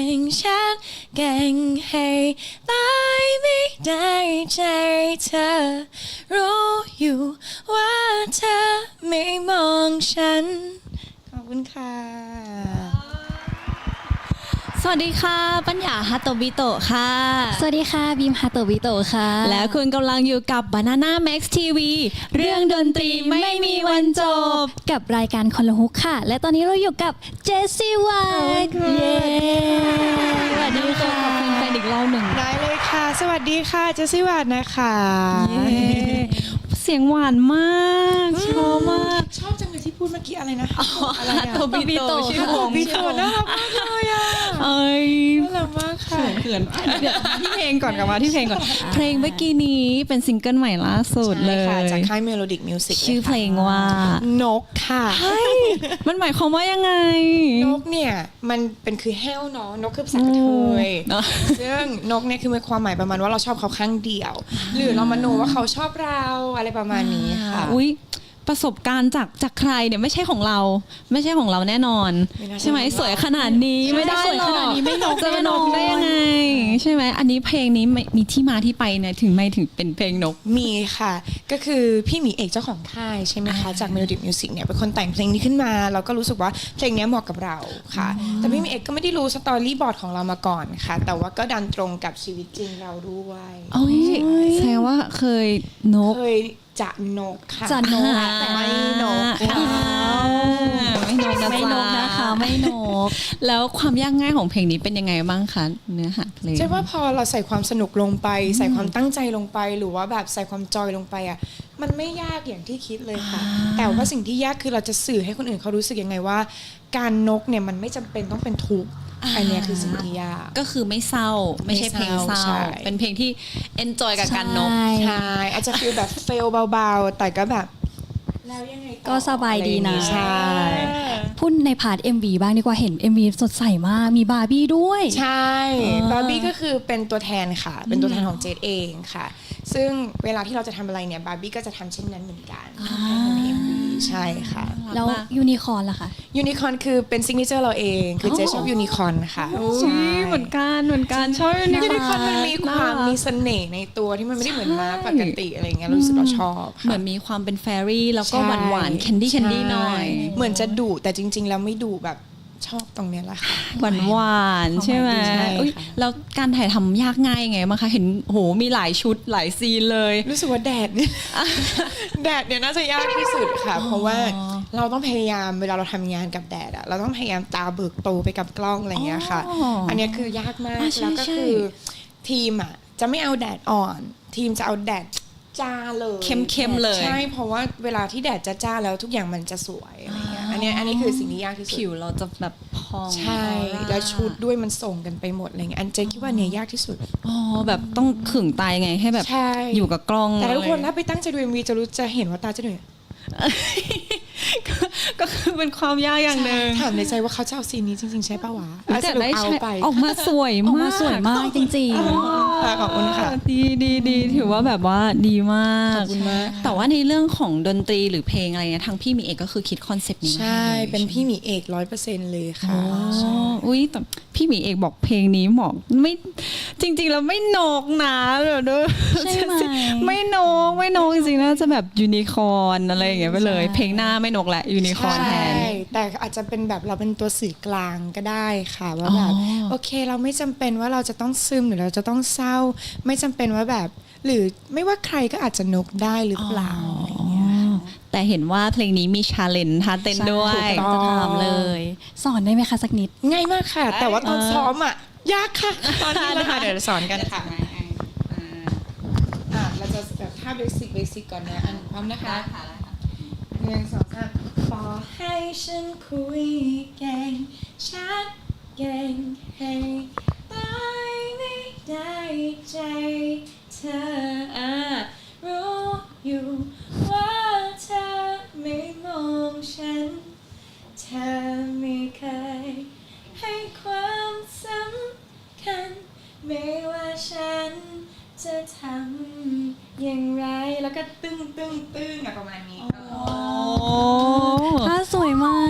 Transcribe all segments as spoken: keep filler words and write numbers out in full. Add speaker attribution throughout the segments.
Speaker 1: งฉันเก่งให้ตายไม่ได้ใจเธอรู้อยู่ว่าเธอไม่มองฉันขอบคุณค่ะ
Speaker 2: สวัสดีค่ะปัญญาฮาโตบิโตะค่ะ
Speaker 3: สวัสดีค่ะบีมฮาโตบิโตะค่ะ
Speaker 2: และคุณกำลังอยู่กับ Banana Max ที วี เรื่องดนตรีไม่มีวันจบ
Speaker 3: กับรายการคนละฮุกค่ะและตอนนี้เราอยู่กับเจสซี่วัตเย้
Speaker 2: สวัสดีค่ะขอบคุณแฟนอีกรอบหนึ่ง
Speaker 1: ได้เลยค่ะสวัสดีค่ะเจสซี่วัตนะคะ
Speaker 2: เสียงหวานมากชอบมาก
Speaker 1: ชอบจังเลยที่พูดเมื่อกี้อะไรนะ
Speaker 2: อะไรอะโตบิโตะชื่อวง
Speaker 1: บิโตะน่ารักมากเลยอ่ะ
Speaker 2: เอ้ย
Speaker 1: น่ารักมากค่ะ
Speaker 2: เขินเดี๋ยวที่เพลงก่อนกลับมาที่เพลงก่อนเพลงเมื่อกี้นี้เป็นซิงเกิลใหม่ล่าสุดเลย
Speaker 1: จากค่าย Melodic Music
Speaker 2: ชื่อเพลงว่าน
Speaker 1: กค่ะ
Speaker 2: มันหมายความว่ายังไง
Speaker 1: นกเนี่ยมันเป็นคือแห้วเนาะนกคือภาษากระเทยซึ่งนกเนี่ยคือมีความหมายประมาณว่าเราชอบเขาข้างเดียวหรือเรามโนว่าเขาชอบเราอะไรประมาณนี้ค่ะ
Speaker 2: อุ๊ยประสบการณ์จากจากใครเนี่ยไม่ใช่ของเราไม่ใช่ของเราแน่นอนใช่ไหมสวยขนาดนี้ไม่ได้หรอกไม่นกจะนกได้ยังไงใช่ไหมอันนี้เพลงนี้มีที่มาที่ไปเนี่ยถึงไม่ถึงเป็นเพลงนก
Speaker 1: มีค่ะก็คือพี่หมีเอกเจ้าของค่ายใช่ไหมคะจาก Melodic Music เนี่ยเป็นคนแต่งเพลงนี้ขึ้นมาเราก็รู้สึกว่าเพลงนี้เหมาะกับเราค่ะแต่พี่หมีเอกก็ไม่ได้รู้สตอรี่บอร์ดของเรามาก่อนค่ะแต่ว่าก็ดันตรงกับชีวิตจริงเราด้วย
Speaker 2: โอ้ยแสดงว่าเคยนก
Speaker 1: เคยจะนกค่ะ
Speaker 3: จะนก
Speaker 1: แต่ไม่นก
Speaker 2: ไม่นกนะ
Speaker 3: ไม่นกนะคะไม่นก
Speaker 2: แล้วความยากง่ายของเพลงนี้เป็นยังไงบ้างคะเนื้อหาเพลง
Speaker 1: ใช่ว่าพอเราใส่ความสนุกลงไปใส่ความตั้งใจลงไปหรือว่าแบบใส่ความจอยลงไปอ่ะมันไม่ยากอย่างที่คิดเลยค่ะแต่ว่าสิ่งที่ยากคือเราจะสื่อให้คนอื่นเขารู้สึกยังไงว่าการนกเนี่ยมันไม่จำเป็นต้องเป็นทุกข์อันนี้คือสิ่งที่ยาก
Speaker 2: ก็คือไม่เศร้าไม่ใช่เพลงเศร้าเป็นเพลงที่ enjoy กับการนก
Speaker 1: ใช่อาจจะฟีลแบบเฟลเบาๆแต่ก็แบบ
Speaker 3: แล้วยังไงก็สบายดีนะ
Speaker 1: ใช่
Speaker 3: พูดในพาร์ท เอ็ม วี บ้างดีกว่าเห็น เอ็ม วี สดใสมากมีบาร์บี้ด้วย
Speaker 1: ใช่บาร์บี้ก็คือเป็นตัวแทนค่ะเป็นตัวแทนของเจดเองค่ะซึ่งเวลาที่เราจะทำอะไรเนี่ยบาร์บี้ก็จะทำเช่นนั้นเหมือนกันใน เอ็ม วี ใช่ค่ะ
Speaker 3: แล้วยูนิคอร์นล่ะคะ
Speaker 1: ยูนิคอร์นคือเป็นซิกเนเจอร์เราเองคือเจชอบยูนิคอร์นค่ะ
Speaker 2: ใช่เหมือนกันเหมือนกันชอบยู
Speaker 1: นิคอร์นมันมีความมีเสน่ห์ในตัวที่มันไม่ได้เหมือนม้าปกติอะไรเงี้ยรู้สึกเราชอบ
Speaker 2: เหมือนมีความเป็นแฟรี่แล้วก็หวานหวานแคนดี้แคนดี้หน่อย
Speaker 1: เหมือนจะดุแต่จริงๆแล้วไม่ดุแบบชอบตรงนี้แหละค่ะ
Speaker 2: หวานหวานใช่ไหมแล้วการถ่ายทำยากง่ายไงมั้งคะเห็นโหมีหลายชุดหลายซีนเลย
Speaker 1: รู้สึกว่าแดดเนี่ยแดดเนี่ยน่าจะยากที่สุดค่ะเพราะว่าเราต้องพยายามเวลาเราทำงานกับแดดอะเราต้องพยายามตาเบิกโตไปกับกล้องอะไรเงี้ยค่ะอันนี้คือยากมากแล้วก็คือทีมอะจะไม่เอาแดดอ่อนทีมจะเอาแดดจ้าเลย
Speaker 2: เข้มๆเลย
Speaker 1: ใช่เพราะว่าเวลาที่แดดจะจ้าแล้วทุกอย่างมันจะสวยอะไรเงี้ยอันนี้อันนี้คือสิ่งที่ยากที่สุด
Speaker 2: ผิวเราจะแบบพอง
Speaker 1: ใช่แล้วชุดด้วยมันส่งกันไปหมดอะไรเงี้ยอันเจคิดว่าเนี่ยยากที่สุด
Speaker 2: อ๋อแบบต้องขึงตายังไงให้แบบอยู่กับกล้อง
Speaker 1: แต่ทุกคนถ้าไปตั้งใจดู เอ็ม วี จะรู้จะเห็นว่าตาจะเหนื่อย
Speaker 2: ก็คือเป็นความยากอย่างหนึ่ง
Speaker 1: ถามในใจว่าเขาจะเอาซีนนี้จริงๆใช่ป่าววะ
Speaker 2: แต่ได้เอาไปออกมาสวย
Speaker 3: มากสวยมากจริง
Speaker 1: ๆขอบคุณค่ะ
Speaker 2: ดีดีดีถือว่าแบบว่าดีมาก
Speaker 1: ขอบคุณมาก
Speaker 2: แต่ว่าในเรื่องของดนตรีหรือเพลงอะไรเนี่ยทางพี่มีเอกก็คือคิดคอนเซปต์นี้
Speaker 1: ใช่เป็นพี่มีเอกร้อยเปอร์เซ็นต์เลยค่ะ
Speaker 2: อุ้ยแต่พี่มีเอกบอกเพลงนี้เหมาะไม่จริงๆแล้วไม่นกนะแบบด้วย
Speaker 3: ใช่ไหม
Speaker 2: ไม่นกไม่นกจริงๆน่าจะแบบยูนิคอร์นอะไรอย่างเงี้ยไปเลยเพลงหน้าไม่นกแหละยูนิคอร์นแทน
Speaker 1: แต่อาจจะเป็นแบบเราเป็นตัวสื่อกลางก็ได้ค่ะว่าแบบโอเคเราไม่จำเป็นว่าเราจะต้องซึมหรือเราจะต้องเศร้าไม่จำเป็นว่าแบบหรือไม่ว่าใครก็อาจจะนกได้หรือเปล่าอะไรเงี้ย
Speaker 2: แต่เห็นว่าเพลงนี้มีชาเลนจ์ท่าเต้นด้วย
Speaker 3: จะถามเลยสอนได้ไหมคะสักนิด
Speaker 1: ง่ายมากค่ะแต่ว่าตอนซ้อมอ่ะยากค่ะตอนนี้นะคะเดี๋ยวสอนกันค่ะอ่ะเราจะแบบท่าเบสิกเบสิกก่อนนะอันพร้อมนะคะหนึ่งสองสามขอให้ฉันคุยเก่งชัดเก่งให้ตายไม่ได้ใจเธอรู้อยู่ว่าเธอไม่มองฉันเธอไม่เคยให้ความสำคัญไม่ว่าฉันจะทำอย่างไรแล้วก็ตึ้งตึ้งตึ้งประมาณนี้
Speaker 3: ท่าสวยมาก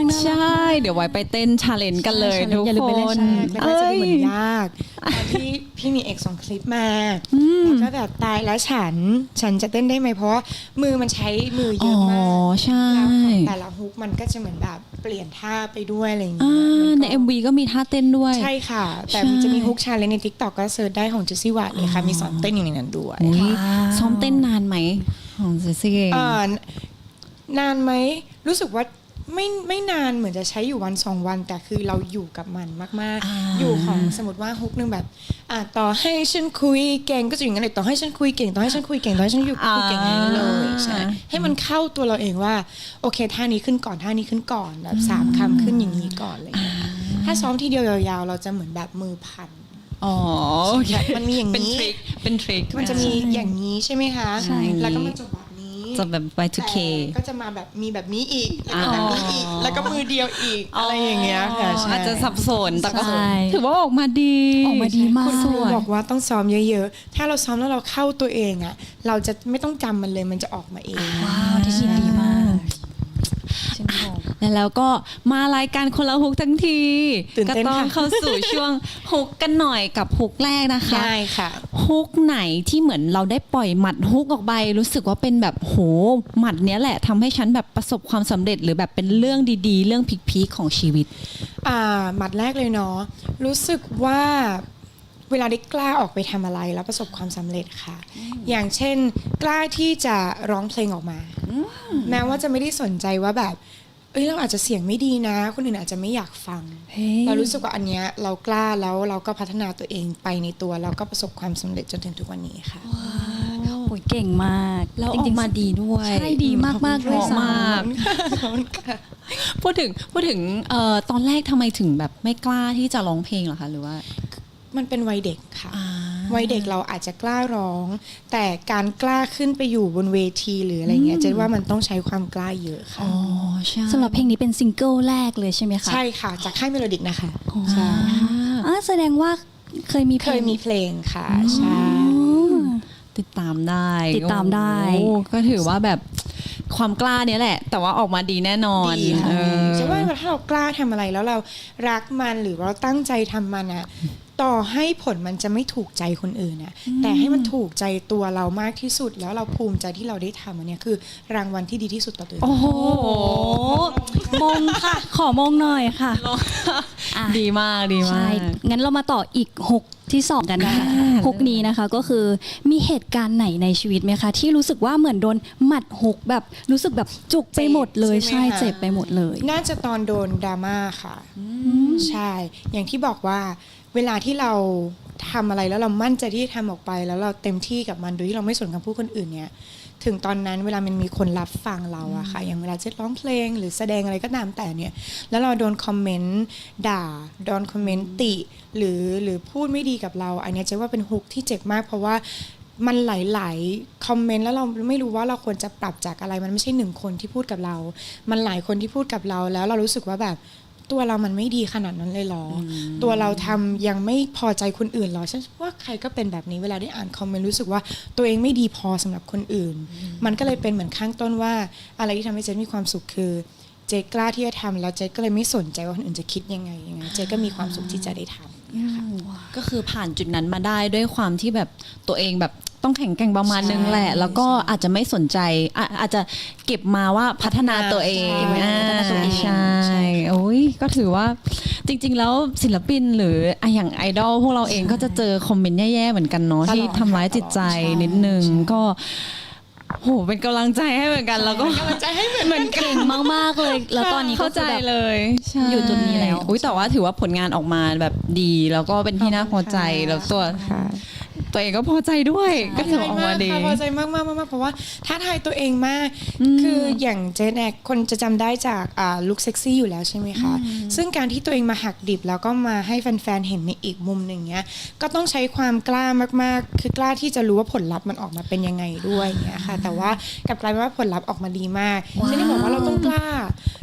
Speaker 2: ใช่เดี๋ยวไว้ไปเต้นชาเลนจ์กันเลยทุก
Speaker 3: อย่าลืม
Speaker 2: ค
Speaker 3: ไปเล่น
Speaker 2: น
Speaker 3: ชาเลนจ์
Speaker 1: แล้วก็จะดูเหมือนยากตอนที่พี่มีเอกส่งคลิปมาแล้วก็แบบตายแล้วฉันฉันจะเต้นได้ไหมเพราะว่ามือมันใช้มือเย
Speaker 2: อ๋อ
Speaker 1: อะมาก
Speaker 2: ใช่
Speaker 1: แล้วของแต่ละฮุกมันก็จะเหมือนแบบเปลี่ยนท่าไปด้วยอะไรอย่างเงี้
Speaker 2: อ่าย
Speaker 1: มั
Speaker 2: ใน
Speaker 1: ก็
Speaker 2: เอ็มวีก็มีท่าเต้นด้วย
Speaker 1: ใช่ค่ะ แต่
Speaker 2: ใช่
Speaker 1: มันจะมีฮุกชาเลนจ์ใน TikTok ก็เซิร์ชได้ของเจสซี่วัตเลยค่ะมีสอนเต้นอยู่ในนั้นด้วย
Speaker 2: อุ๊ย
Speaker 3: ว้าว
Speaker 2: ซ้อมเต้นนานไหมของเจสซี่เอง
Speaker 1: เอ่อนานไหมรู้สึกว่าไม่ไม่นานเหมือนจะใช้อยู่วันสองวัน แต่คือเราอยู่กับมันมาก
Speaker 2: อ่า
Speaker 1: ๆ อยู่ของสมมติว่าฮุกนึงแบบอ่ะต่อให้ฉันคุยเก่งก็จะอย่างนั้นเลยต่อให้ฉันคุยเก่งต่อให้ฉันคุยเก่งต่อให้ฉันอยู่คุยเก่งอย่างนั้นเลยใช่ให้มันเข้าตัวเราเองว่าโอเคท่านี้ขึ้นก่อนท่านี้ขึ้นก่อนแบบสามคำขึ้นอย่างนี้ก่อนอะไรอย่างเลยถ้าซ้อมทีเดียวยาวๆ เราจะเหมือนแบบมือพัน
Speaker 2: อ๋อโอเค
Speaker 1: มันมีอย่าง
Speaker 2: เป็น
Speaker 1: นี้
Speaker 2: ทริคเป็นทริค
Speaker 1: มันจะมีอย่างนี้ใช่ไหมคะ
Speaker 2: ใช่
Speaker 1: แล้วก็มาจบแบบนี้
Speaker 2: จะแบบ วาย ทู เค
Speaker 1: แต่ก็จะมาแบบมีแบบนี้อีกแล้วก็แบบนี้อีกแล้วก็มือเดียวอีกอะไรอย่างเงี้ยค่ะใช่
Speaker 2: อาจจะสับสนแต่ก็
Speaker 3: ใช่
Speaker 2: ถือว่าออกมาดี
Speaker 3: ออกมาดีมาก
Speaker 1: คุณค
Speaker 2: ส
Speaker 1: รู
Speaker 2: วย
Speaker 1: บอกว่าต้องซ้อมเยอะๆ ถ้าเราซ้อมแล้วเราเข้าตัวเองอ่ะเราจะไม่ต้องจำมันเลยมันจะออกมาเอง
Speaker 3: ว้าวที่คิดดีมากฉันบอก
Speaker 2: แล้วก็มารายการคนละฮุกทั้งที
Speaker 1: ตื่น
Speaker 2: ก็
Speaker 1: เต้น
Speaker 2: ต้อง
Speaker 1: ค่ะ
Speaker 2: เข้าสู่ช่วงฮุกกันหน่อยกับฮุกแรกนะคะ
Speaker 1: ได้ค่ะ
Speaker 2: ฮุกไหนที่เหมือนเราได้ปล่อยหมัดฮุกออกไปรู้สึกว่าเป็นแบบโหหมัดเนี้ยแหละทำให้ฉันแบบประสบความสำเร็จหรือแบบเป็นเรื่องดีๆ เรื่องพีคๆของชีวิต
Speaker 1: อ่าหมัดแรกเลยเนาะรู้สึกว่าเวลาได้กล้าออกไปทำอะไรแล้วประสบความสำเร็จค่ะ อย่างเช่น กล้าที่จะร้องเพลงออกมา แม้ว่าจะไม่ได้สนใจว่าแบบเอ้ยเราอาจจะเสียงไม่ดีนะ คนอื่นอาจจะไม่อยากฟัง
Speaker 3: เฮ้ย
Speaker 1: เรารู้สึกว่าอันเนี้ยเรากล้าแล้วเราก็พัฒนาตัวเองไปในตัวแล้วก็ประสบความสำเร็จจนถึงทุกวันนี้ค่ะ
Speaker 3: โอ้ยเก่งมาก
Speaker 2: แล้ว
Speaker 3: จ
Speaker 2: อ
Speaker 3: ริ
Speaker 2: อง ก
Speaker 3: ๆ
Speaker 2: มาดีด้วย
Speaker 3: ใช่ดีมากๆเลย
Speaker 2: เหมาะ
Speaker 3: สาม
Speaker 2: าก พูดถึงพูดถึงเอ่อตอนแรกทำไมถึงแบบไม่กล้าที่จะร้องเพลงเหรอคะหรือว่า
Speaker 1: มันเป็นวัยเด็กค่ะ
Speaker 2: อ่า
Speaker 1: วัยเด็กเราอาจจะกล้าร้อง แต่การกล้าขึ้นไปอยู่บนเวทีหรืออะไรเงี้ยเจนว่ามันต้องใช้ความกล้าเยอะค่ะ
Speaker 2: อ๋อใช่
Speaker 3: สำหรับเพลงนี้เป็นซิงเกิลแรกเลยใช่ไหมคะ
Speaker 1: ใช่ค่ะ จากค่ายเมโลดิกนะคะใช่
Speaker 3: อ่าแสดงว่าเคยมีเพ
Speaker 1: เค
Speaker 3: ล
Speaker 1: ย
Speaker 3: ง
Speaker 1: มีเพลงค่ะใช่
Speaker 3: อืม
Speaker 2: ติดตามได้
Speaker 3: ติดตามได้
Speaker 2: โอ้ก็ถือว่าแบบความกล้าเนี้ยแหละ แต่ว่าออกมาดีแน่นอน
Speaker 1: ดีค่ะ
Speaker 2: เออ
Speaker 1: จะว่าถ้าเรากล้าทำอะไรแล้วเรารักมันหรือเราตั้งใจทำมันอะต่อให้ผลมันจะไม่ถูกใจคนอื่นนะแต่ให้มันถูกใจตัวเรามากที่สุด แล้วเราภูมิใจที่เราได้ทำอันเนี้ยคือรางวัลที่ดีที่สุดต่อตัวเอง
Speaker 2: โอ้โห
Speaker 3: มงค่ะ ขอมงหน่อยค่ะ อ่ะ
Speaker 2: ดีมากดีมา
Speaker 3: ใช่
Speaker 2: ก
Speaker 3: งั้นเรามาต่ออีกหกที่สองกันนะคะ
Speaker 2: อ่า
Speaker 3: หกนี้นะคะก็คือมีเหตุการณ์ไหนในชีวิตไหมคะ ที่รู้สึกว่าเหมือนโดนหมัดหกแบบรู้สึกแบบจุกไปหมดเลย
Speaker 1: ใช่
Speaker 3: ใช่
Speaker 1: ไหมคะ
Speaker 3: เจ็บไปหมดเลย
Speaker 1: น่าจะตอนโดนดราม่าค่ะใช่ อย่างที่บอกว่าเวลาที่เราทำอะไรแล้วเรามั่นใจที่จะทำออกไป แล้วเราเต็มที่กับมันโดยที่เราไม่สนคำพูดคนอื่นเนี่ยถึงตอนนั้นเวลามันมีคนรับฟังเราอะค่ะอย่างเวลาเจ๊ร้องเพลงหรือแสดงอะไรก็ตามแต่เนี่ยแล้วเราโดนคอมเมนต์ด่าโดนคอมเมนต์ติหรือหรือพูดไม่ดีกับเรา อันเนี้ยเจ๊ว่าเป็นฮุกที่เจ็บมาก เพราะว่ามันหลายๆคอมเมนต์แล้วเราไม่รู้ว่าเราควรจะปรับจากอะไรมันไม่ใช่หนึ่งคนที่พูดกับเรา มันหลายคนที่พูดกับเราแล้วเรารู้สึกว่าแบบตัวเรามันไม่ดีขนาดนั้นเลยเหรออตัวเราทำยังไม่พอใจคนอื่นเหรอฉันว่าใครก็เป็นแบบนี้เวลาได้อ่านคอมเมนต์รู้สึกว่าตัวเองไม่ดีพอสำหรับคนอื่น มันก็เลยเป็นเหมือนข้างต้นว่าอะไรที่ทำให้เจนมีความสุขคือเจกล้าที่จะทำแล้วเจก็เลยไม่สนใจว่าคนอื่นจะคิดยังไงยังไงเจก็มีความสุขที่จะได้ทำ
Speaker 2: ก็คือผ่านจุดนั้นมาได้ด้วยความที่แบบตัวเองแบบต้องแข็งแกร่งประมาณนึงแหละ
Speaker 1: ใช่
Speaker 2: แล้วก็อาจจะไม่สนใจอ่ะอาจจะเก็บมาว่าพัฒนาตัวเอง
Speaker 1: ใช่
Speaker 2: อ่า
Speaker 1: พัฒนาตัวเอง
Speaker 2: ใช่
Speaker 1: ใช่
Speaker 2: โอ้ยก็ถือว่าจริง ๆ แล้วศิลปินหรืออ่ะอย่างไอดอลพวกเราเองก็จะเจอคอมเมนต์แย่ๆเหมือนกันเนาะ
Speaker 1: ตลอด
Speaker 2: ที่ทำร้ายจิตใจ
Speaker 1: ใช่
Speaker 2: นิดนึง
Speaker 1: ใช่
Speaker 2: ก็โหเป็นกำลังใจให้เหมือนกันแล้วก็
Speaker 1: กำลังใจให้เหมือน
Speaker 2: เหมือนกัน
Speaker 3: เก่งมากๆเลย แล้วตอนนี้ก็
Speaker 2: เข้า
Speaker 3: คื
Speaker 2: ใจ
Speaker 3: อแบบ
Speaker 2: เลยใช่
Speaker 3: อยู่จุดนี้แล้ว
Speaker 2: อุ้ยแต่ว่าถือว่าผลงานออกมาแบบดีแล้วก็เป็นที่น่าพอใจแล้วตัว
Speaker 1: ค่ะ
Speaker 2: ตัวเองก็พอใจด้วยก็ถือว่าออกมาดี
Speaker 1: พอใจมากมากมากเพราะว่าท้าทายตัวเองมาก คืออย่างเจนแอกคนจะจำได้จากอ่าลุคเซ็กซี่อยู่แล้วใช่ไหมคะ ซึ่งการที่ตัวเองมาหักดิบแล้วก็มาให้แฟนๆเห็นในอีกมุมหนึ่งเนี้ยก็ต้องใช้ความกล้ามากๆ คือกล้าที่จะรู้ว่าผลลัพธ์มันออกมาเป็นยังไงด้วยเนี้ยค่ะ แต่ว่ากลับกลายเป็นว่าผลลัพธ์ออกมาดีมากเจนนี่บอกว่าเราต้องกล้า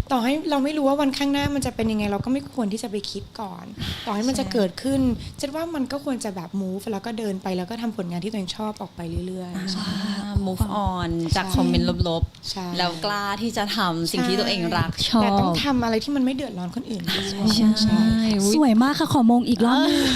Speaker 1: ต่อให้เราไม่รู้ว่าวันข้างหน้ามันจะเป็นยังไงเราก็ไม่ควรที่จะไปคิดก่อน ต่อให้มันจะเกิดขึ้นเจะว่ามันก็ควรจะแบบ move แล้วก็เดินไปแล้วก็ทำผลงานที่ตัวเองชอบออกไปเรื่อยๆ
Speaker 2: อ่า move on จากคอมเมนต์ลบ
Speaker 1: ใช่
Speaker 2: ๆ แล้วกล้าที่จะทำสิ่งที่ตัวเองรักชอบ
Speaker 1: แต่ต้องทำอะไรที่มันไม่เดือดร้อนคนอื่นด้วย
Speaker 2: ใช่อุ๊ย
Speaker 3: สวยมากค่ะขอมงอีกรอบหนึง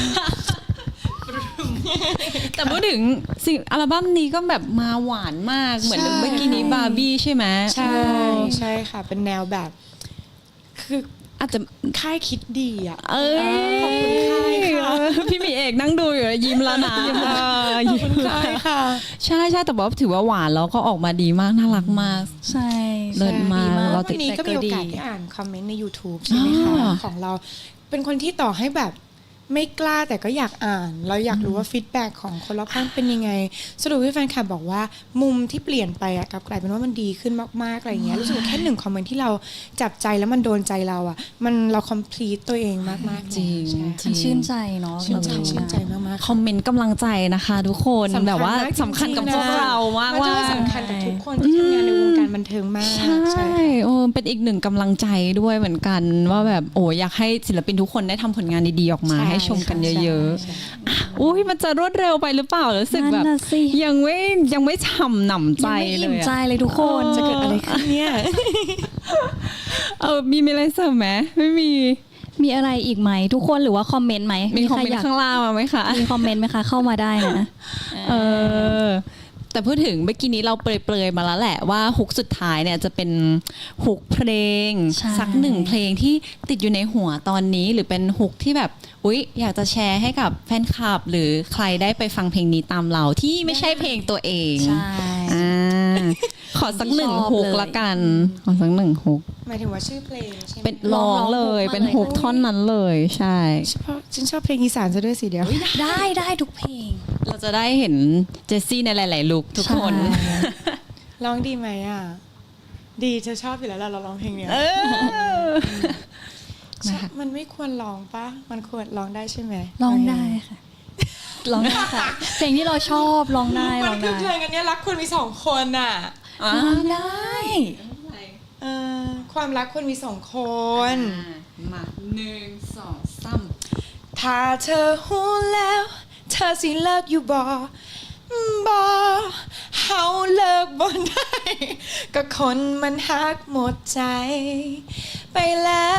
Speaker 2: แต่พูดถึงสิ่งอัลบั้มนี้ก็แบบมาหวานมากเหมือนเมื่อกี้นี้บาร์บี้ใช่ไหม
Speaker 1: ใช่ใช่ค่ะ เป็นแนวแบบ คือ
Speaker 2: อาจจะ
Speaker 1: ค่ายคิดดีอ่ะ
Speaker 2: เอ้ย
Speaker 1: ขอบคุณค่ายค่ะ
Speaker 2: พี่หมีเอกนั่งดูอยู่ยิ้มแล้วนะ
Speaker 1: ขอบคุณค่ายค่ะ
Speaker 2: ใช่ใช่แต่ว่าถือว่าหวานแล้วก็ออกมาดีมากน่ารักมาก
Speaker 3: ใช่
Speaker 2: เลิศมาก
Speaker 3: ดี
Speaker 2: เราติ
Speaker 1: วั
Speaker 2: ด
Speaker 1: นนี้ก็มีโอกาสได้อ่านคอมเมนต์ใน YouTube ใช่ไหมคะ
Speaker 2: อ่า
Speaker 1: ของเราเป็นคนที่ต่อให้แบบไม่กล้าแต่ก็อยากอ่าน เราอยากรู้ว่าฟีดแบ็กของคนรอบข้างเป็นยังไง สรุปว่าแฟนคลับบอกว่ามุมที่เปลี่ยนไปอะกลับกลายเป็นว่ามันดีขึ้นมากๆอะไรอย่างเงี้ยรู้สึกว่าแค่หนึ่งคอมเมนต์ที่เราจับใจแล้วมันโดนใจเราอะมันเราคอมพลีทตัวเองมากๆ
Speaker 2: จริง
Speaker 1: ใช่
Speaker 2: จริ
Speaker 3: มันชื่นใจเนาะ
Speaker 1: ชื่นใจ
Speaker 3: เรา
Speaker 1: ชื่นใจมากๆ
Speaker 2: คอมเมนต์กำลังใจนะคะทุกคน
Speaker 1: สำคัญ
Speaker 2: แบบว่าม
Speaker 1: ากจริงๆ
Speaker 2: สำคัญกับพวกเรามาก
Speaker 1: มัน
Speaker 2: ว่า
Speaker 1: จะสำคัญกับทุกคนที่ทำงานในวงการบันเทิงมาก
Speaker 2: ใช่โอ้เป็นอีกหนึ่งกำลังใจด้วยเหมือนกันว่าแบบโอ้อยากให้ศิลปินทุกคนได้ทำผลงานดีๆออกมา
Speaker 1: ใช่
Speaker 2: ให้ชมกันเยอะ
Speaker 1: ใช่
Speaker 2: ๆอ่ะอุ้ยมันจะรวดเร็วไปหรือเปล่ารู้สึก
Speaker 3: นั่น
Speaker 2: แบบ
Speaker 3: น่ะสิ
Speaker 2: ยังไม่ยังไม่ฉ่ำหนำใจ
Speaker 3: ยังไม่
Speaker 2: เล
Speaker 3: อิ่ม
Speaker 2: ย
Speaker 3: ใจ
Speaker 2: อะ
Speaker 3: เลยทุกคน
Speaker 1: จะเกิดอะไรขึ้นเนี่ย
Speaker 2: เออมีมีอะไรเสริมไหมไม่มี
Speaker 3: มีอะไรอีกไหมทุกคนหรือว่าคอมเมนต์ไหม
Speaker 2: มีคอม
Speaker 3: ใร
Speaker 2: เมน
Speaker 3: อยาก
Speaker 2: ต์ข้างล่างมาไหมคะ
Speaker 3: มีคอมเมนต์ไหมคะเข้ามาได้นะ
Speaker 2: เออแต่พูดถึงเมื่อกี้นี้เราเปรยๆมาแล้วแหละว่าฮุกสุดท้ายเนี่ยจะเป็นฮุกเพลง
Speaker 3: ใช่
Speaker 2: สักหนึ่งเพลงที่ติดอยู่ในหัวตอนนี้หรือเป็นฮุกที่แบบอุ๊ยอยากจะแชร์ให้กับแฟนคลับ หรือใครได้ไปฟังเพลงนี้ตามเราที่ไม่ใช่เพลงตัวเอง
Speaker 3: ใช่
Speaker 2: อ่าขอสักหนึ่ง
Speaker 3: ชอบ
Speaker 2: ฮุก
Speaker 3: เลย
Speaker 2: ละกันขอสักหนึ่งฮุก
Speaker 1: หมายถึงว่าชื่อเพลงใช่ไหม
Speaker 2: เป็นร้องเลย
Speaker 3: ร้องฮุกมาเลย
Speaker 2: เป็นฮุกท่อนนั้นเลยใช่
Speaker 1: เฉพาะฉันชอบเพลงอีสานซะด้วยสิเดียว
Speaker 3: ได้ได้ทุกเพลง
Speaker 2: เราจะได้เห็นเจสซี่ในหลาย ๆ ลุคทุกคน
Speaker 3: ใช่
Speaker 1: ร้องดีไหมอ่ะ ดีเธอชอบอยู่แล้วล่ะเราร้องเพลงเนี้ย
Speaker 2: เออ
Speaker 1: ใช่มันไม่ควรร้องปะมันควรร้องได้ใช่ไหม
Speaker 3: ร้องได้ค่ะร้องได้ค่ะ เพลงที่เราชอบร้องได้
Speaker 1: มั
Speaker 3: ร้
Speaker 1: น
Speaker 3: อง
Speaker 1: คือ
Speaker 3: ได้
Speaker 1: เพลงอันเนี้ยรักควรมีสองคนอ่ะ
Speaker 2: อ่ะ
Speaker 3: ร้องได้
Speaker 1: เออความรักควรมีสองคน
Speaker 2: มาหนึ่งสองสาม
Speaker 1: ถ้าเธอหูแล้ว เธอสิเลิกอยู่บ่บอเฮาเลิกบ่ได้ ก็คนมันฮักหมดใจ ไปแล้ว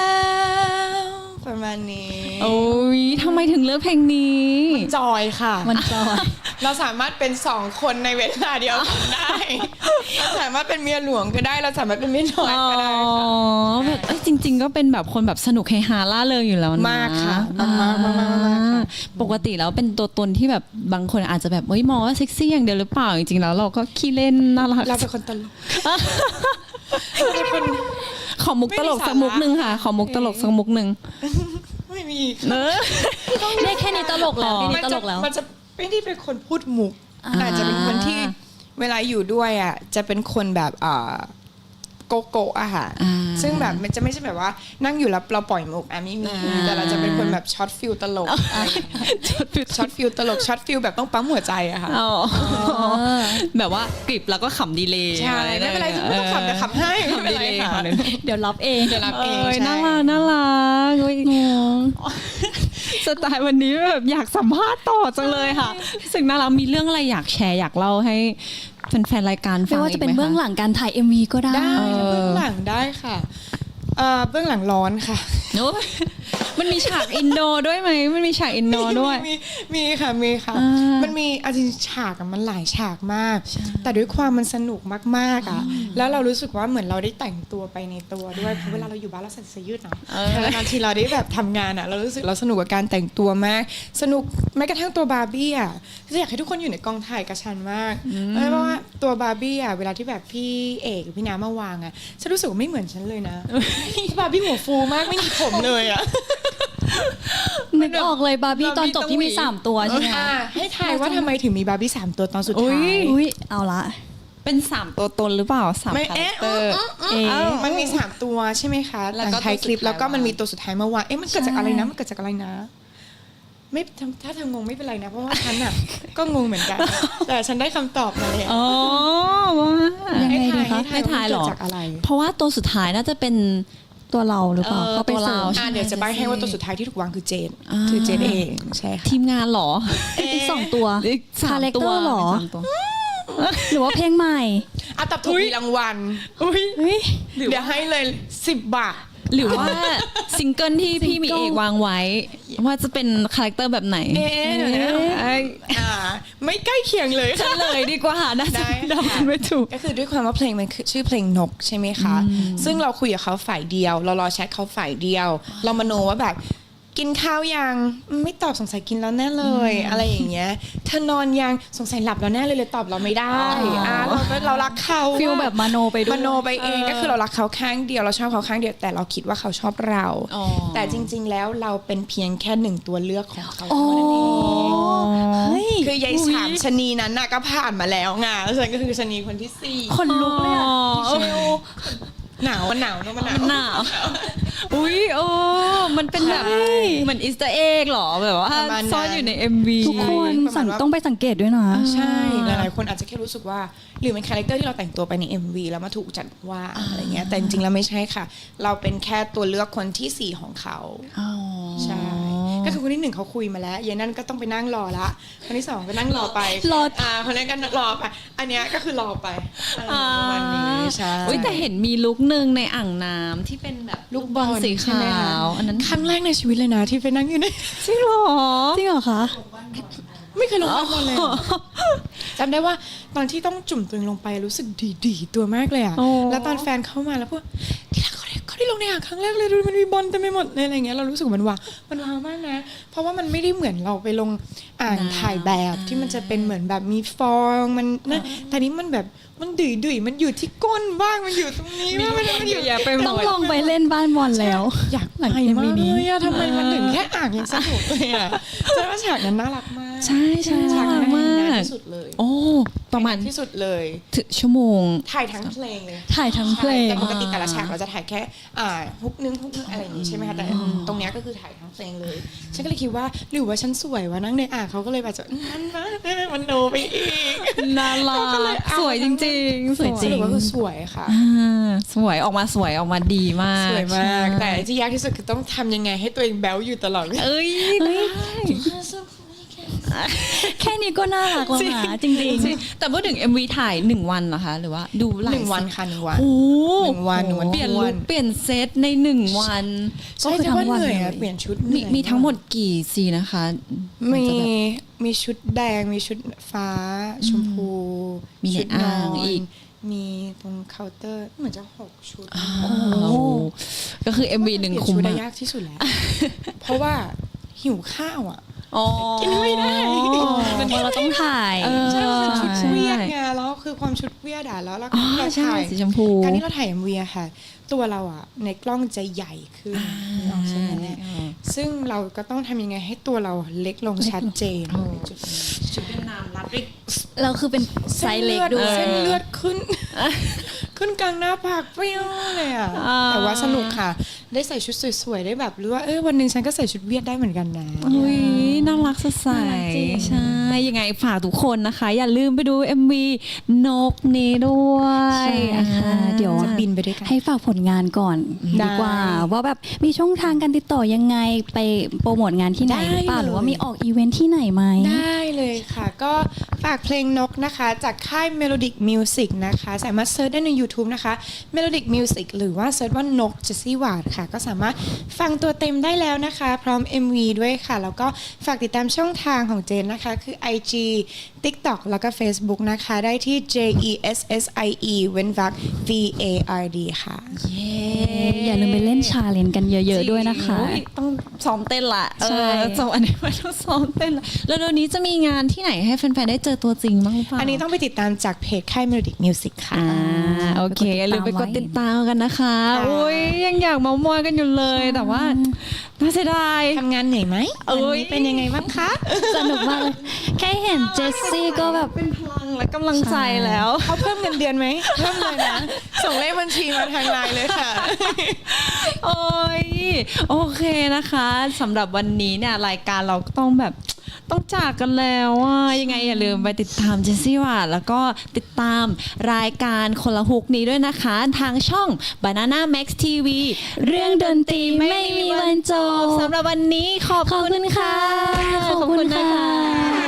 Speaker 1: ประมาณนี้
Speaker 2: โอ้ยทำไมถึงเลือกเพลงนี้
Speaker 1: จอยค่ะ
Speaker 3: มันจอย
Speaker 1: เราสามารถเป็นสองคนในเวลาเดียวกันได้ เราสามารถเป็นเมียหลวงก็ได้ เราสามารถเป็นเมียน้อย
Speaker 2: อ๋อ
Speaker 1: ก็ได้
Speaker 2: แบบเอ้ยจริง ๆ ก็เป็นแบบคนแบบสนุกเฮฮาล่าเริงอยู่แล้วนะ
Speaker 1: มากค่ะมากมากมากมากมากค่ะ
Speaker 2: ปกติแล้วเป็นตัวตนที่แบบบางคนอาจจะแบบเฮ้ยมองว่าเซ็กซี่อย่างเดียวหรือเปล่า จริง ๆ แล้วเราก็ขี้เล่นน่ารัก
Speaker 1: เราเป็นคนตลกเราเป็นคน
Speaker 2: ขอมุกตลกสักมุกหนึ่งค่ะ ขอมุกตลกสักมุกหนึ่ง
Speaker 1: ไม่มี
Speaker 2: เนอะ
Speaker 3: เรียกแค่นี้ตลกแล้วแค่
Speaker 1: มั
Speaker 3: นี้ต
Speaker 1: จะ
Speaker 3: ลกแล้ว
Speaker 1: มันจะไม่ได้เป็นคนพูดมุก
Speaker 3: อ่า
Speaker 1: อาจจะเป็นคนที่เวลาอยู่ด้วยอ่ะจะเป็นคนแบบอ่าโกโก้อะค่ะ
Speaker 2: อ่า
Speaker 1: ซึ่งแบบมันจะไม่ใช่แบบว่านั่งอยู่แล้วเราปล่อยมุกอ่ะไม่มี
Speaker 2: อ่า
Speaker 1: แต่เราจะเป็นคนแบบช็อตฟิลตลกช็อตฟิลตลกช็อตฟิลแบบต้องปั๊มหัวใจอะค่ะ
Speaker 2: อ๋อแบบว่ากริบแล้วก็ขำดีเลย
Speaker 1: ใช่ไม่เป็นไรไม่ต้องขำแต่ขำให้ไม่เป็นไรค่ะ
Speaker 3: เดี๋ยวรับเอง
Speaker 1: เดี๋ยวรับเอง
Speaker 2: เอ้ย
Speaker 1: ใช่
Speaker 2: น่ารักน่ารักเฮ้ยสไตล์วันนี้แบบอยากสัมภาษณ์ต่อจังเลยค่ะรู้สึกน่ารักมีเรื่องอะไรอยากแชร์อยากเล่าให้แฟนๆรายการฟั
Speaker 3: ไม่
Speaker 2: ง
Speaker 3: ว่า
Speaker 2: อี
Speaker 3: จะ
Speaker 2: ก
Speaker 3: เป็น
Speaker 2: ไหม
Speaker 3: เบื้อง
Speaker 2: คะ
Speaker 3: หลังการถ่าย เอ็ม วี ก็ได้
Speaker 1: ได้
Speaker 2: เออ
Speaker 1: เบื้องหลังได้ค่ะเอ่อเบื้องหลังร้อนค่ะ
Speaker 2: โอ้ยมันมีฉากอินโดด้วยไหมมันมีฉากอินโดด้วย
Speaker 1: มีมีค่ะมีค่ะ
Speaker 2: อ่ามั
Speaker 1: มันมีอาจริงๆฉากอะมันหลายฉากมาก แต่ด้วยความมันสนุกมากๆอ่ะแล้วเรารู้สึกว่าเหมือนเราได้แต่งตัวไปในตัวด้วยเพราะเวลาเราอยู่บ้านเราใส่เสื้อยืดเนาะ
Speaker 2: เออ
Speaker 1: แต่นานๆทีเราได้แบบทำงานอ่ะเรารู้สึกเราสนุกกับการแต่งตัวมาก สนุกแม้กระทั่งตัวบาร์บี้อ่ะคืออยากให้ทุกคนอยู่ในกองถ่ายกับฉันมากเพราะว่าตัวบาร์บี้อ่ะเวลาที่แบบพี่เอกหรือพี่น้ำมาวางอ่ะฉันรู้สึกว่าไม่เหมือนฉันเลยนะบาร์บี้หัวฟูมากไม่มีผมเลยอ่ะ
Speaker 3: นึกออกเลยบาร์บี้ตอนจบที่มีสามตัวใช่ไหม
Speaker 1: อ่า
Speaker 3: คะ
Speaker 1: ให้ทายว่าทำไมถึงมีบาร์บี้สามตัวตอนสุดท้าย
Speaker 3: อุ้ยเอาละ
Speaker 2: เป็นสามตัวตนหรือเปล่าสาม
Speaker 1: ไม่
Speaker 2: คาแร
Speaker 1: เอ๊ะ
Speaker 2: คเตอร์
Speaker 3: เอ๊ะ
Speaker 1: เอ้ามันมีสามตัวใช่ไหมคะ
Speaker 2: แล้ว
Speaker 1: ห
Speaker 2: ก็
Speaker 1: ลังท้ายคลิป
Speaker 2: ตัวสุดท้าย
Speaker 1: แล้วก็มันมีตัวสุดท้ายเมื่อวานเอ๊ะมันเกิดจากอะไรนะมันเกิดจากอะไรนะไม่ถ้าเธองงไม่เป็นไรนะเพราะว่าฉันอ่ะ ก็งงเหมือนกัน แต่ฉันได้คำตอบมาแล้ว
Speaker 2: อ๋อว่า
Speaker 3: ยังไงดีคะ
Speaker 2: ให้ทายเหรอ
Speaker 1: เกิดจากอะไร
Speaker 2: เพราะว่าตัวสุดท้ายน่าจะเป็น
Speaker 3: ตัวเราหรือเปล่า
Speaker 2: เออ
Speaker 3: ก็ไป
Speaker 2: ตัว
Speaker 3: เสิ
Speaker 2: เรา
Speaker 3: ร์ช
Speaker 1: อ่ะเดี๋ยวจะใบให้ว่าตัวสุดท้ายที่ถูกวางคือเจน
Speaker 2: อ่า
Speaker 1: คือเจนเองใช่ค่ะ
Speaker 2: ทีมงานเหรอ
Speaker 3: อีกสองตัว
Speaker 2: อีกสาม
Speaker 3: คาแรค
Speaker 2: ตั
Speaker 3: เต
Speaker 2: ว
Speaker 3: อร์หรอ
Speaker 2: สามตัว
Speaker 3: หรือว่าเพลงใหม่
Speaker 1: อ่ะตอบถูกมีรางวัล
Speaker 3: เฮ้ย
Speaker 1: เดี๋ยวให้เลยสิบบาท
Speaker 2: หรือว่าซิงเกิลที่พี่มี
Speaker 3: ซิงเกิล
Speaker 2: เอกวางไว้ ว่าจะเป็นคาแรคเตอร์แบบไหน
Speaker 1: เอ๊ะเดี๋ยวนะไอ้อ่าไม่ใกล้เคียงเลย
Speaker 2: เฉ
Speaker 1: ค่ะ
Speaker 2: ลยดีกว่าน่าจะ
Speaker 1: ได้
Speaker 2: เดากันไม่ถูก
Speaker 1: ก็คือด้วยความว่าเพลงมันคือชื่อเพลงนกใช่ไหมคะ ซึ่งเราคุยกับเขาฝ่ายเดียว เรารอแชทเขาฝ่ายเดียว เรามโนว่าแบบกินข้าวยังไม่ตอบสงสัยกินแล้วแน่เลย อะไรอย่างเงี้ยเธอนอนยังสงสัยหลับแล้วแน่เลยเลยตอบเราไม่ได้
Speaker 2: อ๋ออ่
Speaker 1: ่าเราก็เรารักเขา
Speaker 3: ฟิลแบบมโนไปด้วย
Speaker 1: มโนไปเองก็คือเรารักเขาข้างเดียวเราชอบเขาข้างเดียวแต่เราคิดว่าเขาชอบเรา
Speaker 2: อ๋อ
Speaker 1: แต่จริง ๆ แล้วเราเป็นเพียงแค่หนึ่งตัวเลือกของเขา
Speaker 3: อ๋อ
Speaker 1: เท่านั้นเอง
Speaker 3: เฮ้ย
Speaker 1: คือยายสามชะนีนั้นน่ะก็ผ่านมาแล้วไงแล้วฉันก็คือชะนีคนที่สี่
Speaker 3: คนลุกเลยอะ
Speaker 2: อ๋อ
Speaker 3: เชล
Speaker 1: หนาวมันหนาวเนอะมันหนาว
Speaker 2: มันหนาว อุ้ยโอ้มันเป็นแบบ
Speaker 1: ใช่
Speaker 2: เหมือนอีสเตอร์เอ็กหรอแบบว่า
Speaker 1: ประมาณนั้น
Speaker 2: ซ่อนอยู่ใน เอ็ม วี
Speaker 3: ทุกคน
Speaker 1: ประมาณ
Speaker 3: สั่ง
Speaker 1: ว่า
Speaker 3: ต้องไปสังเกตด้วยนะ
Speaker 1: ใช่หลายๆคนอาจจะแค่รู้สึกว่าหรือเป็นคาแรคเตอร์ที่เราแต่งตัวไปใน เอ็ม วี แล้วมาถูกจัดว่าอะไรเงี้ยแต่จริงๆแล้วไม่ใช่ค่ะ เราเป็นแค่ตัวเลือกคนที่สี่ของเขา
Speaker 2: อ๋อ
Speaker 1: ใช่ก็คือคนที่หนึ่งเขาคุยมาแล้วเย็นนั่นก็ต้องไปนั่งรอละคนที่สองก็นั่งรอไป
Speaker 3: รอ
Speaker 1: อ่าคนนี้ก็รอไปอันเนี้ยก็คือรอไปอะไรประมาณนี้ใช่
Speaker 2: อุ้ยแต่เห็นมีลุกหนึ่งในอ่างน้ำที่เป็นแบบ
Speaker 1: ลูกบอล
Speaker 2: สี
Speaker 1: ใช่
Speaker 2: ขา
Speaker 1: ไหมคะ
Speaker 2: วอันนั้น
Speaker 1: ครั้งแรกในชีวิตเลยนะที่ไปนั่งอยู่ใน
Speaker 2: จริงเหรอ
Speaker 3: จริงเหรอคะ
Speaker 1: ไม่เคยลงบ้านบอลเลยอะจำได้ว่าตอนที่ต้องจุ่มตัวเองลงไปรู้สึกดีดีๆตัวมากเลยอ่ะ
Speaker 2: โอ้
Speaker 1: แล้วตอนแฟนเข้ามาแล้วพูดที่รักเขาได้เขาได้ลงในอ่างครั้งแรกเลยดูมันมีบอลเต็มไปหมดเลยอะไรเงี้ยเรารู้สึกมันว้าวมันว้าวมากนะ เพราะว่ามันไม่ได้เหมือนเราไปลงอ่างถ่ายแบบที่มันจะเป็นเหมือนแบบมีฟองมันนะแต่นี้มันแบบมันดุยดุยๆมันอยู่ที่ก้นบ้างมันอยู่ตรงนี้บ้างมันมันอยู่
Speaker 2: อย่าไปหม
Speaker 3: ต้อง
Speaker 2: ด
Speaker 3: ลองไปเล่นบ้านบอลแล้ว
Speaker 1: อยาก
Speaker 3: หลัง
Speaker 1: ไป
Speaker 3: เอ็ม
Speaker 1: มา
Speaker 3: วี
Speaker 1: ก
Speaker 3: นี้
Speaker 1: เลยอะทำไมมันถึงแค่อ่างยังสนุกเลยอะใช่ว่าฉากนั้นน่ารักมาก
Speaker 2: ใช่ใช่
Speaker 1: ฉาก
Speaker 2: น่ารั
Speaker 1: นั้น
Speaker 2: กมาก
Speaker 1: ที่สุดเลย
Speaker 2: โอ้ประมาณ
Speaker 1: ที่สุดเลย
Speaker 2: ถึงชั่วโมง
Speaker 1: ถ่ายทั้งเพลงเลย
Speaker 3: ถ่ายทั้งเพลง
Speaker 1: ใช่แต่ปกติแต่ละฉากเราจะถ่ายแค่อ่าฮุกนึงฮุกนึงอะไรอย่างงี้ใช่ไหมคะแต่ตรงเนี้ยก็คือถ่ายทั้งเพลงเลยฉันก็เลยคิดว่าหรือว่าฉันสวยวะนั่งในอ่างเขาก็เลยแบบจะนั่นนะมันโนไปอีก
Speaker 2: น่ารักสวยจริงๆ สวยจ
Speaker 1: ส
Speaker 2: ริง
Speaker 1: รุปว่าคือสวยค่ะ
Speaker 2: อ่าสวยออกมาสวยออกมาดีมาก
Speaker 1: สวยมาก
Speaker 2: ใช่
Speaker 1: แต่ที่ยากที่สุดคือต้องทำยังไงให้ตัวเองแบ๊วอยู่ตลอดเวลา
Speaker 2: เอ้ยได้
Speaker 3: แค่นี้ก็น่ารักแล้วนะจริง
Speaker 2: จริงแต่พูดถึง เอ็ม วี ถ่ายหนึ่งวันเหรอคะหรือว่าดูหลาย
Speaker 1: หนึ่งวันค่ะหนึ่งวัน
Speaker 2: โอ้
Speaker 1: หนึ่งวันหนึ่งวัน
Speaker 2: เปลี่ยน
Speaker 1: ท
Speaker 2: ลุ
Speaker 1: ว
Speaker 2: คน เปลี่ยนเซตในหนึ่งวัน
Speaker 1: ใช่
Speaker 3: ก็คือ
Speaker 1: แต่ว่า
Speaker 3: ทั้งวัน
Speaker 1: เหนื่อย
Speaker 3: เล
Speaker 1: อะ
Speaker 3: ย
Speaker 1: เปลี่ยนชุด
Speaker 2: มี
Speaker 1: เหนื่อย
Speaker 2: มีทั้งหมดกี่ซีนนะคะ
Speaker 1: มี
Speaker 2: นจะแบบ
Speaker 1: มีชุดแดงมีชุดฟ้าชมพู
Speaker 2: มีใน
Speaker 1: ชุดน
Speaker 2: อ่าง
Speaker 1: น
Speaker 2: อีก
Speaker 1: มีตรงเคาน์เตอร์เหมือนจะหกชุด
Speaker 2: โอ้ก็คือ เอ็ม วี หนึ่ง
Speaker 1: เปลี่ย
Speaker 2: คุ้ม
Speaker 1: ชุดได้
Speaker 2: มาก
Speaker 1: ยากที่สุดแล้ว เพราะว่าหิวข้าวอ่ะ
Speaker 2: อ๋อ
Speaker 1: กินไม่ได้
Speaker 3: เพราะเราต้องถ่าย
Speaker 2: เออ
Speaker 1: ใช่มันเป็นชุด
Speaker 2: ใช่
Speaker 1: เวียดไงแล้วคือความชุดเวียดอ่ะแล้วเรา
Speaker 2: อ๋อ
Speaker 1: เรา
Speaker 2: ใช่
Speaker 1: ถ่าย
Speaker 2: สีชมพู
Speaker 1: การที่เราถ่ายเอ็มวีอะค่ะ ตัวเราอ่ะในกล้องจะใหญ่ขึ้นนึกออกใช่ไหมเนี่ยซึ่งเราก็ต้องทำยังไงให้ตัวเราเล็กลงชัดเจนในจุดนี้
Speaker 2: ชุดเวียดนามรัดริก
Speaker 3: เราคือเป็นไซส์เล็กด้วย
Speaker 1: เส้นเลือดขึ้น ขึ้นกลางหน้าผากเปรี้ยวเลยอ่ะ
Speaker 2: อ่า
Speaker 1: แต่ว่าสนุกค่ะ ได้ใส่ชุดสวยๆ ได้แบบรู้ว่าเออวันหนึ่งฉันก็ใส่ชุดเวียดได้เหมือนกันนะ
Speaker 2: อุ้ยน่ารักสดใส
Speaker 3: น่ารักจริง
Speaker 2: ใช่ ยังไงฝากทุกคนนะคะ อย่าลืมไปดู เอ็ม วี นกนี้ด้วย
Speaker 3: ใช่ค่ะ เดี๋ยว
Speaker 1: จะบินไปด้วยกัน
Speaker 3: ให้ฝากผลงานก่อน
Speaker 1: ได้
Speaker 3: ดีกว่า ว่าแบบมีช่องทางการติดต่อยังไงไปโปรโมทงานที่ไหน
Speaker 1: ได้
Speaker 3: หรือเปล่า
Speaker 1: เลย
Speaker 3: หรือว่ามีออกอีเวนท์ที่ไหนไหม
Speaker 1: ได้เลยค่ะ ก็ฝากเพลงนกนะคะ จากค่าย Melodic Music นะคะ สามารถเซิร์ชได้ใน YouTube นะคะ Melodic Music หรือว่าเซิร์ชว่านกเจสซี่วาดค่ะ ก็สามารถฟังตัวเต็มได้แล้วนะคะ พร้อม เอ็ม วี ด้วยค่ะ แล้วก็ฝากติดตามช่องทางของเจนนะคะ คือ ไอ จี TikTok แล้วก็ Facebook นะคะ ได้ที่ J E S S I E เว้นวรรค V A R D ค่ะ
Speaker 2: เย้
Speaker 3: อย่าลืมไปเล่นชาเลนจ์กันเยอะ ๆ ด้วยนะคะ
Speaker 2: จริงอุ๊ยต้องซ้อมเต้นละ
Speaker 3: ใช่
Speaker 2: เออจบอันนี้ไม่ต้องซ้อมเต้นละแล้วเดี๋ยวนี้จะมีงานที่ไหนให้แฟนๆได้เจอตัวจริงบ้างหรือเปล่า
Speaker 1: อันนี้ต้องไปติดตามจากเพจค่าย Melodic Music ค่ะ
Speaker 2: อ่าโอเคอย่าลืมไปกดติดตามกันนะคะ
Speaker 1: ค่ะ
Speaker 2: อุ้ยยังอยากเมามอยกันอยู่เลยแต่ว่าน่าเสียดาย
Speaker 1: ทำงานเหนื่อยไหม
Speaker 2: เอ้ย
Speaker 1: วันนี้เป็นยังไงบ้างคะ
Speaker 3: สนุกมากเลย แค่เห็นเจสซี่ก็แบบ
Speaker 2: เป็นพลังและกำลังใจแล้ว
Speaker 1: เขาเพิ่มเงินเดือนไหม เพิ่มเลยนะ ส่งเลขบัญชีมาทางไลน์เลยค่ะ
Speaker 2: โอ้ยโอเคนะคะสำหรับวันนี้เนี่ยรายการเราก็ต้องแบบต้องจากกันแล้วอ่ะยังไงอย่าลืมไปติดตามเจสซี่ว่าแล้วก็ติดตามรายการคนละฮุกนี้ด้วยนะคะทางช่อง Banana Max ที วี
Speaker 3: เรื่องดนตรีไม่มีวันจบ
Speaker 2: สำหรับวันนี้ขอบ
Speaker 3: ขอบ
Speaker 2: คุ
Speaker 3: คุณ ณ
Speaker 2: ค่ะ
Speaker 3: ค่ะ ขอบคุณค่ะ